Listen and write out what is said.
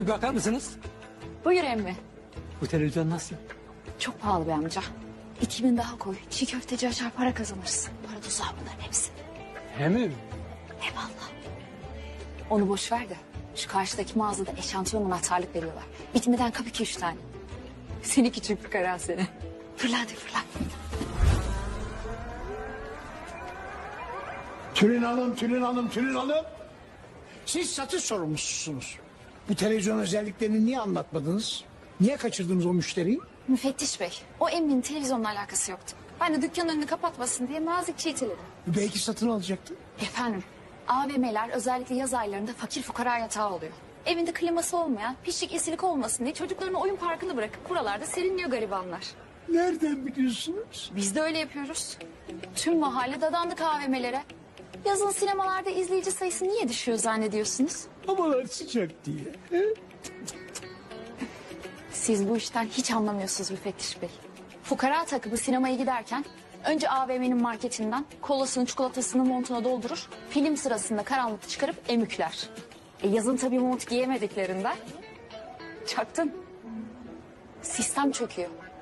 Bir bakar mısınız? Buyur emmi. Bu televizyon nasıl? Çok pahalı be amca. 2000 daha koy. Çiğ köfteci açar para kazanırsın. Para tuzağı bunların hepsi. He mi? Eyvallah. Onu boş ver de. Şu karşıdaki mağazada eşantiyon anahtarlık veriyorlar. Bitmeden kap 2-3 tane. Seni küçük fıkara seni. Fırla hadi fırla. Tülin Hanım, Tülin Hanım, Tülin Hanım. Siz satış sorumlususunuz. Bu televizyon özelliklerini niye anlatmadınız? Niye kaçırdınız o müşteriyi? Müfettiş bey, o emminin televizyonla alakası yoktu. Ben de dükkanın önünü kapatmasın diye nazikçe iteledim. Belki satın alacaktı. Efendim, AVM'ler özellikle yaz aylarında fakir fukara yatağı oluyor. Evinde kliması olmayan, pislik esilik olmasın diye çocuklarını oyun parkını bırakıp buralarda serinliyor garibanlar. Nereden biliyorsunuz? Biz de öyle yapıyoruz. Tüm mahalle dadandık AVM'lere. Yazın sinemalarda izleyici sayısı niye düşüyor zannediyorsunuz? Havalar sıcak diye. He? Siz bu işten hiç anlamıyorsunuz müfettiş bey. Fukara takımı sinemaya giderken önce AVM'nin marketinden kolasını çikolatasını montuna doldurur. Film sırasında karanlıkta çıkarıp emükler. Yazın tabii mont giyemediklerinden çaktın. Sistem çöküyor.